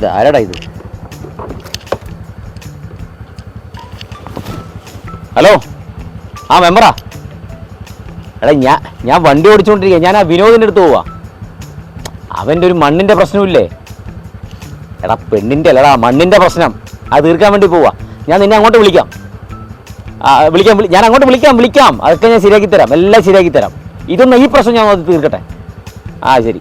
ആരാടാ ഇത്? ഹലോ, ആ മെമ്പറാ. എടാ ഞാൻ വണ്ടി ഓടിച്ചുകൊണ്ടിരിക്കുക. ഞാൻ ആ വിനോദിൻ്റെ അടുത്ത് പോവാ. അവൻ്റെ ഒരു മണ്ണിൻ്റെ പ്രശ്നമില്ലേ? എടാ പെണ്ണിൻ്റെ അല്ലടാ, മണ്ണിൻ്റെ പ്രശ്നം. അത് തീർക്കാൻ വേണ്ടി പോവാ. ഞാൻ നിന്നെ അങ്ങോട്ട് വിളിക്കാം. ഞാൻ അങ്ങോട്ട് വിളിക്കാം. അതൊക്കെ ഞാൻ ശരിയാക്കി തരാം, എല്ലാം ശരിയാക്കി തരാം. ഇതൊന്നും ഈ പ്രശ്നം ഞാൻ തീർക്കട്ടെ. ആ ശരി.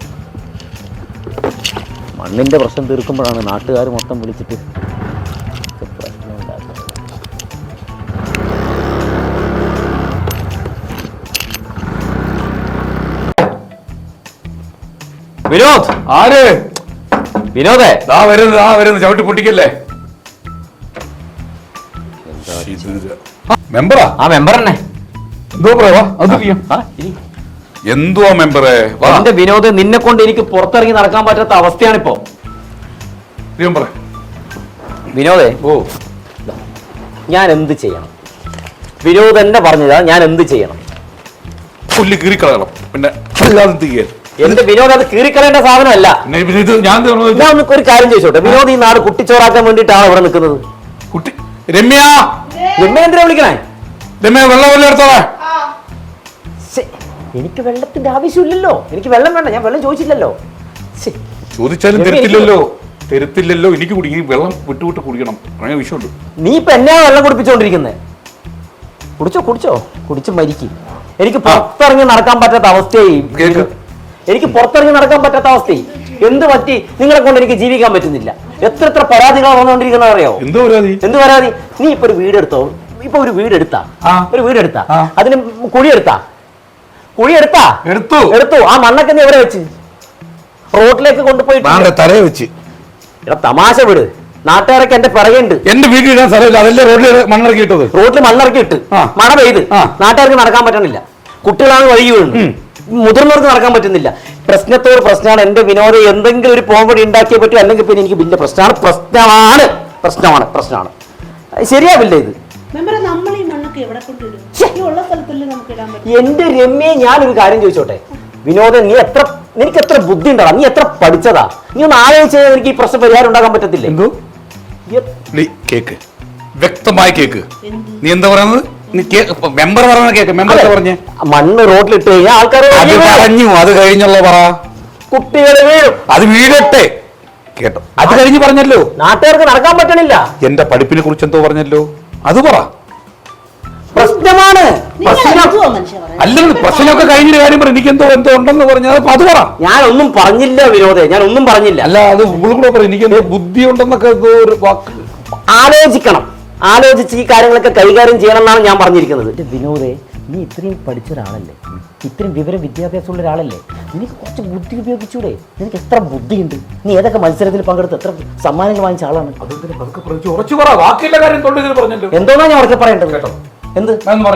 മണ്ണിൻ്റെ പ്രശ്നം തീർക്കുമ്പോഴാണ് നാട്ടുകാർ മൊത്തം വിളിച്ചിട്ട് പ്രശ്നം ഉണ്ടാക്കുന്നത്. വിനോദ്, ആര്? വിനോദേ, വരുന്നു. ചവിട്ടി പൊട്ടിക്കല്ലേ. മെമ്പറാ? ആ മെമ്പർ തന്നെ. എന്തുവാ മെമ്പറേ? എന്റെ വിനോദ്, നിന്നെ കൊണ്ട് എനിക്ക് പുറത്തിറങ്ങി നടക്കാൻ പറ്റാത്ത അവസ്ഥയാണിപ്പോ. വിനോദേ, ഞാൻ എന്ത് ചെയ്യണം? വിനോദ് എന്നെ പറഞ്ഞതാ, ഞാൻ എന്ത് ചെയ്യണം? പുല്ല് കീറിക്കളയണം. പിന്നെ എന്റെ വിനോദ്, അത് കീറിക്കളയേണ്ട സാധനമല്ല. ഞാൻ ഒരു കാര്യം ചോദിച്ചോട്ടെ, വിനോദ് ഈ നാട് കുട്ടിച്ചോറാക്കാൻ വേണ്ടിയിട്ടാണ് ഇവിടെ നിൽക്കുന്നത്. രമ്യ എന്തിനാ വിളിക്കണേ? രമ്യ, വെള്ളം എടുത്തോളാം. എനിക്ക് വെള്ളത്തിന്റെ ആവശ്യമില്ലല്ലോ. എനിക്ക് വെള്ളം വേണ്ട, ഞാൻ വെള്ളം ചോദിച്ചില്ലല്ലോ. ചോദിച്ചാലും തരത്തില്ലല്ലോ. എനിക്ക് കുടിക്കും, വെള്ളം വിട്ടുവിട്ട് കുടിക്കണം. അങ്ങനെ വിഷയമുണ്ട്. നീ ഇപ്പൊ എന്നെയാ വെള്ളം കുടിപ്പിച്ചോണ്ടിരിക്കുന്നത്. കുടിച്ചോ കുടിച്ച് മരിക്കും. എനിക്ക് പുറത്തിറങ്ങി നടക്കാൻ പറ്റാത്ത അവസ്ഥയായി. എന്ത് പറ്റി? നിങ്ങളെ കൊണ്ട് എനിക്ക് ജീവിക്കാൻ പറ്റുന്നില്ല. എത്ര പരാതികളാണ് വന്നുകൊണ്ടിരിക്കുന്നത് അറിയോ? എന്ത് പരാതി? നീ ഇപ്പൊ ഒരു വീടെടുത്തോ. ഒരു വീടെടുത്താ അതിന് എടുത്തു. ആ മണ്ണൊക്കെ നീ എവിടെ വെച്ച്? റോഡിലേക്ക് കൊണ്ടുപോയിട്ട് തലയെ വെച്ച്. തമാശ വിട്. നാട്ടുകാരൊക്കെ എന്റെ പിറകുണ്ട്. എന്റെ വീട്ടിലിടാൻ സ്ഥലമില്ല, അതല്ലേ റോഡിൽ മണ്ണിറക്കി ഇട്ട് മഴ പെയ്ത് നാട്ടുകാർക്ക് നടക്കാൻ പറ്റണില്ല. കുട്ടികളാണ് വഴി വീഴുന്നു, മുതിർന്നവർക്ക് നടക്കാൻ പറ്റുന്നില്ല. പ്രശ്നത്തോട് പ്രശ്നമാണ്. എന്റെ വിനോദം എന്തെങ്കിലും ഒരു പോംവഴി ഉണ്ടാക്കിയേ പറ്റും, അല്ലെങ്കിൽ പിന്നെ എനിക്ക് വലിയ പ്രശ്നമാണ്. ശരിയാവില്ല ഇത്. എന്റെ രമ്യെ, ഞാനൊരു കാര്യം ചോദിച്ചോട്ടെ വിനോദം, നിനക്ക് എത്ര ബുദ്ധി ഉണ്ടാ? നീ എത്ര പഠിച്ചതാ? നീ ഒന്ന് ആലോചിച്ച് എനിക്ക് ഈ പ്രശ്നം പരിഹാരം ഉണ്ടാക്കാൻ പറ്റത്തില്ലേ? കേക്ക്, വ്യക്തമായി കേക്ക്. നീ എന്താ പറയുന്നത്? മെമ്പർ പറഞ്ഞ കേക്ക്. മെമ്പർ പറഞ്ഞേ മണ്ണ് റോഡിലിട്ട് കഴിഞ്ഞാൽ ആൾക്കാർ പറഞ്ഞു. അത് കഴിഞ്ഞുള്ള പറ. കുട്ടികൾ വീഴും. അത് വീഴട്ടെ, കേട്ടോ. അത് കഴിഞ്ഞ് പറഞ്ഞല്ലോ നാട്ടുകാർക്ക് നടക്കാൻ പറ്റണില്ല. എന്റെ പഠിപ്പിനെ കുറിച്ച് എന്തോ പറഞ്ഞല്ലോ, അത് പറ. പ്രശ്നമാണ്. അല്ലെങ്കിൽ പ്രശ്നമൊക്കെ കഴിഞ്ഞൊരു കാര്യം പറ. എനിക്ക് എന്തോ ഉണ്ടെന്ന് പറഞ്ഞാൽ അത് പറ. ഞാനൊന്നും പറഞ്ഞില്ല വിനോദേ, ഞാനൊന്നും പറഞ്ഞില്ല. അല്ല, അത് കൂടെ പറ. എനിക്ക് എന്തോ ബുദ്ധി ഉണ്ടെന്നൊക്കെ ഒരു വാക്ക്. ആലോചിച്ച് ഈ കാര്യങ്ങളൊക്കെ കൈകാര്യം ചെയ്യണം എന്നാണ് ഞാൻ പറഞ്ഞിരിക്കുന്നത്. വിനോദേ, നീ ഇത്രയും പഠിച്ച ഒരാളല്ലേ, ഇത്രയും വിവരം വിദ്യാഭ്യാസമുള്ള ഒരാളല്ലേ, നിനക്ക് കുറച്ച് ബുദ്ധി ഉപയോഗിച്ചൂടെ? നിനക്ക് എത്ര ബുദ്ധിയുണ്ട്? നീ ഏതൊക്കെ മത്സരത്തിൽ പങ്കെടുത്ത് എത്ര സമ്മാനങ്ങൾ വാങ്ങിച്ച ആളാണ്? എന്തോന്നാ ഞാൻ ഉറക്കെ പറയേണ്ടത്? കേട്ടോ, എന്ത്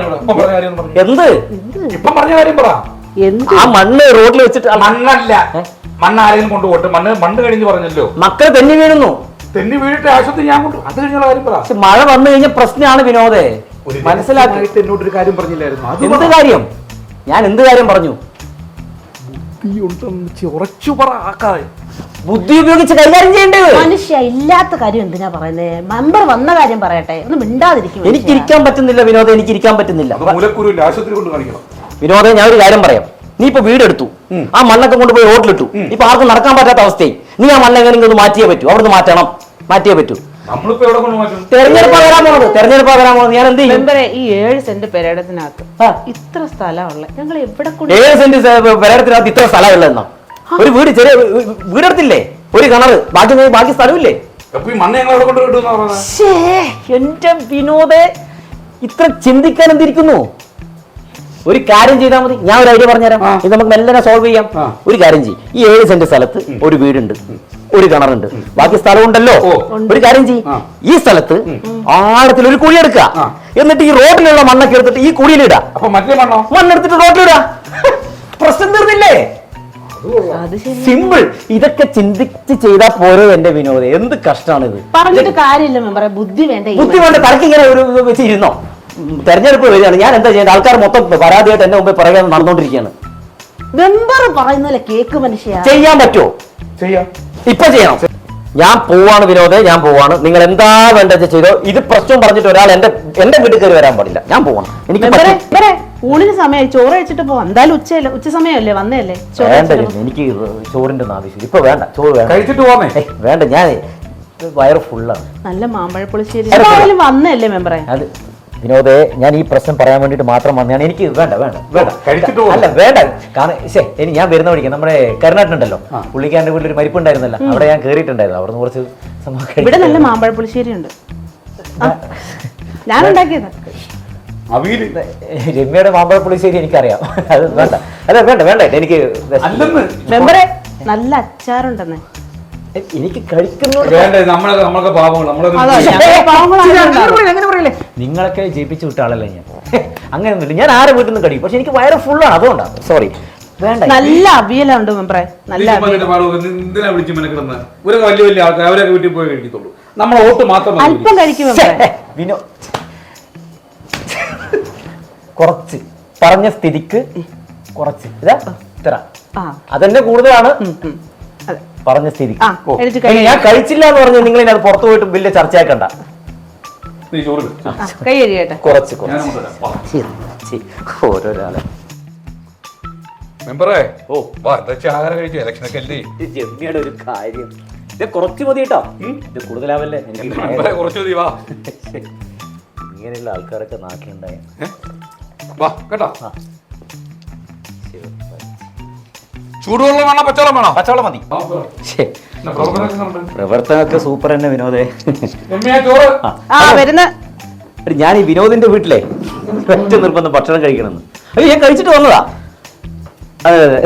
ആ മണ്ണ് റോഡിൽ വെച്ചിട്ട് മണ്ണല്ല, മണ്ണ് ആരെങ്കിലും കൊണ്ടുപോട്ടെ. മണ്ണ് കഴിഞ്ഞ് പറഞ്ഞല്ലോ. മക്കള് തെന്നി വീഴുന്നു. തെന്നി വീണിട്ട് ആശുപത്രി ഞാൻ കൊണ്ടു. അത് കഴിഞ്ഞുള്ള കാര്യം പറ. മഴ വന്നു കഴിഞ്ഞ പ്രശ്നമാണ് വിനോദേ. മനസ്സിലാക്കിയിട്ട് എന്നോടൊരു കാര്യം പറഞ്ഞില്ലായിരുന്നു. എന്ത് കാര്യം? ഞാൻ എന്ത് കാര്യം പറഞ്ഞു? ബുദ്ധി ഉപയോഗിച്ച് കൈകാര്യം ചെയ്യേണ്ടത്. മനുഷ്യ ഇല്ലാത്ത കാര്യം എന്തിനാ പറയുന്നത്? മെമ്പർ വന്ന കാര്യം പറയട്ടെ, ഒന്ന് മിണ്ടാതിരിക്കും. എനിക്ക് ഇരിക്കാൻ പറ്റുന്നില്ല വിനോദം, എനിക്ക് ഇരിക്കാൻ പറ്റുന്നില്ല. വിനോദം, ഞാൻ ഒരു കാര്യം പറയാം. നീ ഇപ്പൊ വീടെടുത്തു, ആ മണ്ണൊക്കെ കൊണ്ടുപോയി റോഡിലിട്ടു. ഇപ്പൊ ആർക്കും നടക്കാൻ പറ്റാത്ത അവസ്ഥയായി. നീ ആ മണ്ണെങ്കിലും ഒന്ന് മാറ്റിയേ പറ്റൂ. അവിടുന്ന് മാറ്റിയേ പറ്റൂ. തെരഞ്ഞെടുപ്പ് വരാൻ പോകുന്നത് ഞാൻ എന്ത് ചെയ്യും? ഈ 7 സെന്റ് പെരേടത്തിനകത്ത് ഇത്ര സ്ഥലമുള്ള ഞങ്ങൾ എവിടെ 7 സെന്റ് പെരേടത്തിനകത്ത് ഇത്ര സ്ഥലമുള്ളതെന്നോ? ഒരു വീട്, ചെറിയ വീടെടുത്തില്ലേ, ഒരു കിണറ്, ബാക്കി സ്ഥലമില്ലേ? എന്റെ വിനോദേ, ഇത്ര ചിന്തിക്കാൻ എന്തിരിക്കുന്നു? ഒരു കാര്യം ചെയ്താൽ മതി. ഞാൻ ഒരു ഐഡിയ പറഞ്ഞുതരാം. ഇത് നമുക്ക് മെല്ലനെ സോൾവ് ചെയ്യാം. ഒരു കാര്യം ചെയ്യും. ഈ 7 സെന്റ് സ്ഥലത്ത് ഒരു വീടുണ്ട്, ഒരു കിണറുണ്ട്, ബാക്കി സ്ഥലമുണ്ടല്ലോ. ഒരു കാര്യം ചെയ്യും, ഈ സ്ഥലത്ത് ആഴത്തിൽ ഒരു കുഴി എടുക്കുക. എന്നിട്ട് ഈ റോഡിലുള്ള മണ്ണൊക്കെ എടുത്തിട്ട് ഈ കുഴിയിലിടാ. മണ്ണെടുത്തിട്ട് റോഡിലിടാ. പ്രശ്നം തീർന്നില്ലേ? സിമ്പിൾ. ഇതൊക്കെ ചിന്തിച്ച് ചെയ്താൽ പോരോ എന്റെ വിനോദം? എന്ത് കഷ്ടമാണ് ഇത്. പറഞ്ഞിട്ട് കാര്യമില്ല മെമ്പറെ, ബുദ്ധി വേണ്ട. തലക്ക് ഇങ്ങനെ ഒരു വെച്ചിരുന്നോ? തെരഞ്ഞെടുപ്പ് വരികയാണ്, ഞാൻ എന്താ ചെയ്യേണ്ടത്? ആൾക്കാർ മൊത്തം പരാതിയായിട്ട് എന്റെ മുമ്പേ പറയാൻ നടന്നുകൊണ്ടിരിക്കുകയാണ്. മെമ്പർ പറയുന്നല്ലേ കേക്ക്. മനുഷ്യ ചെയ്യാൻ പറ്റുമോ? ചെയ്യാം. ഇപ്പൊ ചെയ്യണം. ഞാൻ പോവാണ് വിനോദേ, ഞാൻ പോവാണ്. നിങ്ങൾ എന്താ വേണ്ടത് ചെയ്തോ. ഇത് പ്രശ്നം പറഞ്ഞിട്ട് ഒരാൾ എന്റെ വീട്ടിൽ കയറി വരാൻ പാടില്ല. ഞാൻ പോവാണ്. എനിക്ക് ഊണിന് സമയമായി, ചോറ് കഴിച്ചിട്ട് പോവാം. എന്തായാലും ഉച്ച സമയമല്ലേ, വന്നേല്ലേ. വേണ്ട, എനിക്ക് ചോറിന്റെ ഒന്നും ആവശ്യം ഇപ്പൊ വേണ്ട. ചോറ് വേണ്ട, കഴിച്ചിട്ട് പോവാമേ. വേണ്ട, ഞാൻ വയറ് ഫുള്ളാണ്. നല്ല മാമ്പഴപ്പുളിശ്ശേരി വന്നല്ലേ മെമ്പറെ. അത് വിനോദേ, ഞാൻ ഈ പ്രശ്നം പറയാൻ വേണ്ടിട്ട് മാത്രം വന്നതാണ്. എനിക്ക് വേണ്ട വേണ്ട വേണ്ട കഴിച്ചിട്ട് അല്ല വേണ്ട. കാരണം ഇനി ഞാൻ വരുന്ന വഴിക്ക് നമ്മുടെ കരുനാട്ടുണ്ടല്ലോ, പുള്ളിക്കാരന്റെ വീട്ടിൽ ഒരു മരിപ്പുണ്ടായിരുന്നല്ലോ, അവിടെ ഞാൻ കയറിയിട്ടുണ്ടായിരുന്നു. അവിടെ നിന്ന് കുറച്ച് ഇവിടെ നല്ല മാമ്പഴപ്പുളിശ്ശേരി ഉണ്ട്, ഞാൻ ഉണ്ടാക്കിയതാ. രമ്യയുടെ മാമ്പഴ പുളിശ്ശേരി എനിക്കറിയാം. അത് വേണ്ട, അല്ല വേണ്ട വേണ്ട, എനിക്ക് മെമ്പറെ നല്ല അച്ചാറുണ്ടെന്ന്. എനിക്ക് കഴിക്കുന്നു. നിങ്ങളൊക്കെ ജയിപ്പിച്ചു വിട്ട ആളല്ലേ ഞാൻ. അങ്ങനെയൊന്നുമില്ല, ഞാൻ ആരെ വീട്ടിൽ നിന്ന് കഴിയും. പക്ഷെ എനിക്ക് വയറ് ഫുള്ളാണ്, അതുകൊണ്ടാണ്. സോറി, വേണ്ട. നല്ല അവിയലുണ്ട് മെമ്പറെ, നല്ല എന്തിനാ വിളിച്ചു മെനക്കിടുന്ന? ഒരു വലിയ വലിയ ആൾക്കാർ അവരൊക്കെ വീട്ടിൽ പോയി കഴിക്കത്തുള്ളൂ. നമ്മളെ വോട്ട് മാത്രം അല്പം കഴിക്കും വിനോ. കുറച്ച് പറഞ്ഞ സ്ഥിതിക്ക് കുറച്ച് ഇതാ ഇത്ര അതെന്നെ കൂടുതലാണ് പറഞ്ഞ സ്ഥിതിക്ക്. ഞാൻ കഴിച്ചില്ല എന്ന് പറഞ്ഞു നിങ്ങൾ അത് പുറത്തു പോയിട്ട് വലിയ ചർച്ചയാക്കണ്ട. കുറച്ച് ഓരോരാളെ മെമ്പറേ, ആഹാരം കഴിച്ചു. ഇലക്ഷനൊക്കെ അല്ലേ, ജമ്മിയുടെ ഒരു കാര്യം. ഇത് കുറച്ച് മതി കേട്ടോ, ഇത് കൂടുതലാവല്ലേ. എനിക്ക് കുറച്ച് മതി. വാ, ഇങ്ങനെയുള്ള ആൾക്കാരൊക്കെ നാട്ടിലുണ്ടായ കേട്ടോ. ചൂടുവെള്ളം വേണോ പച്ചവെള്ളം വേണോ? പച്ചവെള്ളം മതി. പ്രവർത്തനമൊക്കെ സൂപ്പർ തന്നെ വിനോദേ. ഞാൻ ഈ വിനോദിന്റെ വീട്ടിലെ ഒറ്റ നിർബന്ധം ഭക്ഷണം കഴിക്കണമെന്ന്. അയ്യോ, ഞാൻ കഴിച്ചിട്ട് വന്നതാ. അതെ അതെ.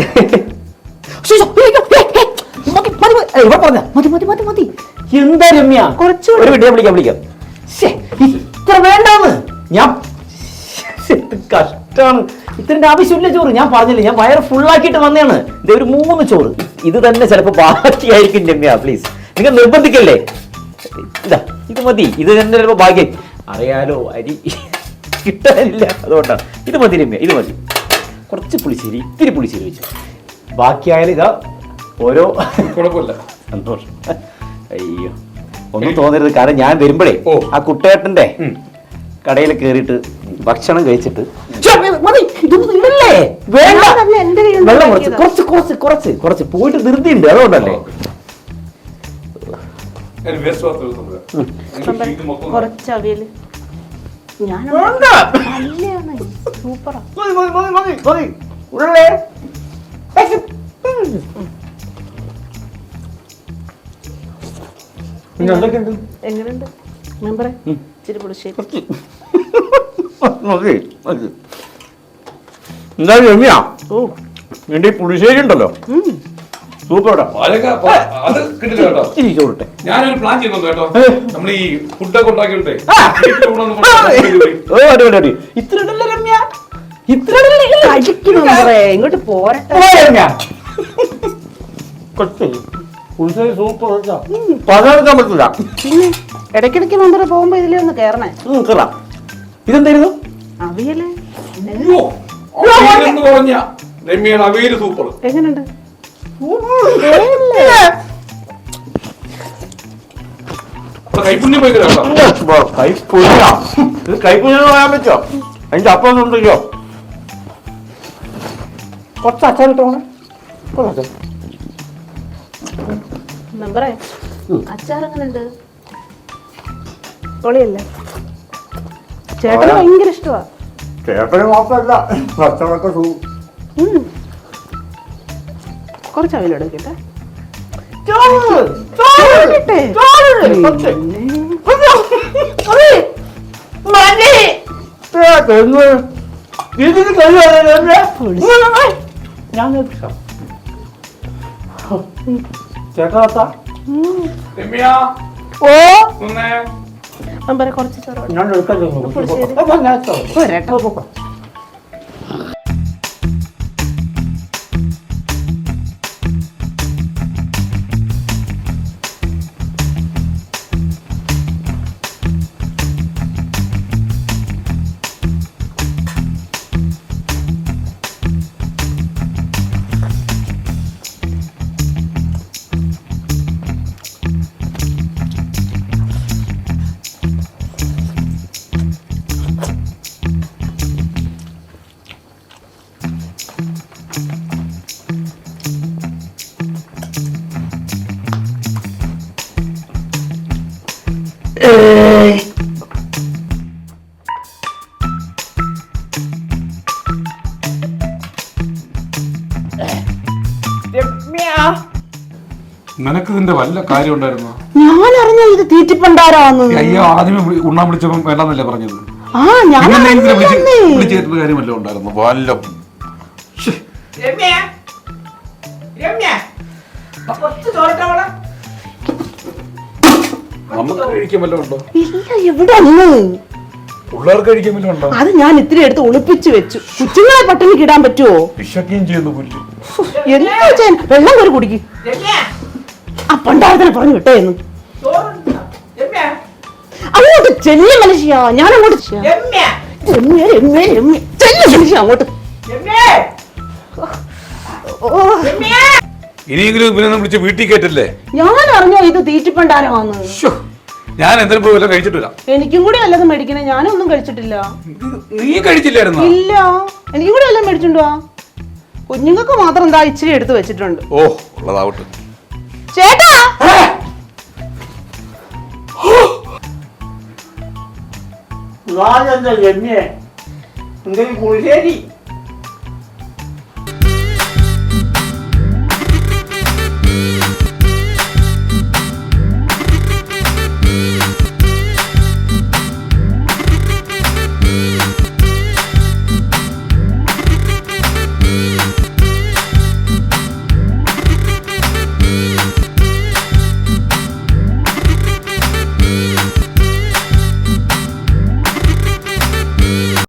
എന്താ രമ്യ, കുറച്ചുകൂടി വിളിക്കാം. ഇത്ര വേണ്ടാന്ന് ഞാൻ കഷ്ടാണ്. ഇത്രന്റെ ആവശ്യമില്ല ചോറ്. ഞാൻ പറഞ്ഞില്ലേ, ഞാൻ വയറ് ഫുള്ളാക്കിയിട്ട് വന്നതാണ്. ഇത് ഒരു 3 ചോറ്. ഇത് തന്നെ ചിലപ്പോ ബാക്കിയായിരിക്കും രമ്യ. പ്ലീസ്, നിങ്ങൾ നിർബന്ധിക്കല്ലേ. ഇതാ ഇത് മതി. ഇത് തന്നെ ചിലപ്പോ ഭാഗ്യം. അറിയാലോ, അരി കിട്ടാനില്ല, അതുകൊണ്ടാണ്. ഇത് മതി രമ്യ, ഇത് മതി. കുറച്ച് പുളിശ്ശേരി, ഇത്തിരി പുളിശ്ശേരി വെച്ചു. ബാക്കിയായാലും ഇതാ ഓരോ കുഴപ്പമില്ല. സന്തോഷം. അയ്യോ, ഒന്നും തോന്നരുത്. കാരണം ഞാൻ വരുമ്പോഴേ ആ കുട്ടേട്ടന്റെ കടയിൽ കയറിയിട്ട് ഭക്ഷണം കഴിച്ചിട്ട് വെള്ളം കുറച്ച് കുറച്ച് കുറച്ച് കുറച്ച് പോയിട്ട് ധൃതിയുണ്ട്, അതുകൊണ്ടല്ലേ. കുറച്ച് അവിയല് സൂപ്പറാ. എങ്ങനെയുണ്ട് മെമ്പറെ? ഇച്ചിരി പുളിശ്ശേരി എന്താ രമ്യ, എന്റെ ഈ പുളിശ്ശേരി ഉണ്ടല്ലോ സൂപ്പർ. ചോറിട്ടെ, ഞാനൊരു പ്ലാൻ ചെയ്യുന്നുണ്ട് കേട്ടോ. നമ്മൾ ഈ ഫുഡൊക്കെ ഉണ്ടാക്കിയിട്ടേ ഇത്ര രമ്യ, ഇത്ര ഇങ്ങോട്ട് പോരട്ടെ. സൂപ്പർ പകർക്കാൻ പറ്റില്ല. പിന്നെ ഇടയ്ക്കിടയ്ക്ക് മെമ്പറെ പോകുമ്പോ ഇതിലേ ഒന്ന് കേറണേ. കേറാം. ഇതെന്തായിരുന്നു? അവിയല് പറഞ്ഞ രമ്യയുടെ അവിയല് സൂപ്പർ. എങ്ങനെയുണ്ട്? കൈപ്പുണ്യം പോയി കൈപ്പുണ്യം പറയാൻ പറ്റോ? അതിന്റെ അപ്പം ഉണ്ടല്ലോ. കുറച്ച് അച്ചാർ കിട്ടണേ. മെമ്പറെ, അച്ചാർ എങ്ങനെയുണ്ട്? പൊളിയല്ലേ? ചേട്ടന് ഭയങ്കര ഇഷ്ടമാ. ചേട്ടന് മാത്രല്ല, ഭക്ഷണമൊക്കെ കുറച്ച് അവിയലെടുക്കട്ടെ. ചേട്ടാ മെമ്പറെ കുറച്ച് ചോറ് ഞാൻ എടുക്കാൻ ഇതിന്റെ വല്ല കാര്യം ഉണ്ടായിരുന്നോ? ഞാൻ അറിഞ്ഞ ഇത് തീറ്റിപ്പണ്ടാരാന്ന്. അയ്യോ, ആദ്യമേ ഉണ്ണാൻ വിളിച്ചപ്പോ വേണ്ടെന്നല്ലേ പറഞ്ഞത്? ആ ഞാൻ വിളിച്ചേരുന്ന കാര്യമല്ലോ ഉണ്ടായിരുന്നു. വല്ല നമുക്ക് കഴിക്കാൻ വല്ലതും ഉണ്ടോ? ഇല്ല, എവിടെ ഒന്ന് പിള്ളേർക്ക് കഴിക്കാൻ വല്ലതും ഉണ്ടോ? അത് ഞാൻ ഇത്തിരി എടുത്ത് ഒളിപ്പിച്ചു വെച്ചു. കൊച്ചുങ്ങളെ പട്ടിണിക്ക് ഇടാൻ പറ്റുമോ? വിശക്കുകയും ചെയ്യുന്നു പുല്ല്. എന്താ ചെയ്യാൻ? വെള്ളം കയറി കുടിക്കും. ആ പണ്ടാരത്തിനെ പറഞ്ഞു വിട്ടേന്ന്. അങ്ങോട്ട് ചെല്ലിയ മനുഷ്യ, ഞാൻ അങ്ങോട്ട് ചെല്ലിയ മനുഷ്യ അങ്ങോട്ട്. ഇനിയെങ്കിലും ഇവനൊന്നും വിളിച്ച് വീട്ടിൽ കയറ്റല്ലേ? ഞാൻ അറിഞ്ഞോ ഇത് തീറ്റിപ്പണ്ടാരമാന്ന്. ഞാൻ എന്തിനും പോയി വല്ലതും കഴിച്ചിട്ടില്ല. എനിക്കും കൂടി വല്ലതും മേടിക്കണേ. ഞാനൊന്നും കഴിച്ചിട്ടില്ല. നീ കഴിച്ചില്ലായിരുന്നോ? ഇല്ല, എനിക്കും കൂടി വല്ലതും മേടിച്ചിട്ടുണ്ടോ? കുഞ്ഞുങ്ങൾക്ക് മാത്രം എന്താ ഇച്ചിരി എടുത്ത് വെച്ചിട്ടുണ്ട്. ഓ, ഉള്ളതാവട്ടെ. ചേട്ടാ, രമ്യേ എന്തെങ്കിലും കുളിശ്ശേരി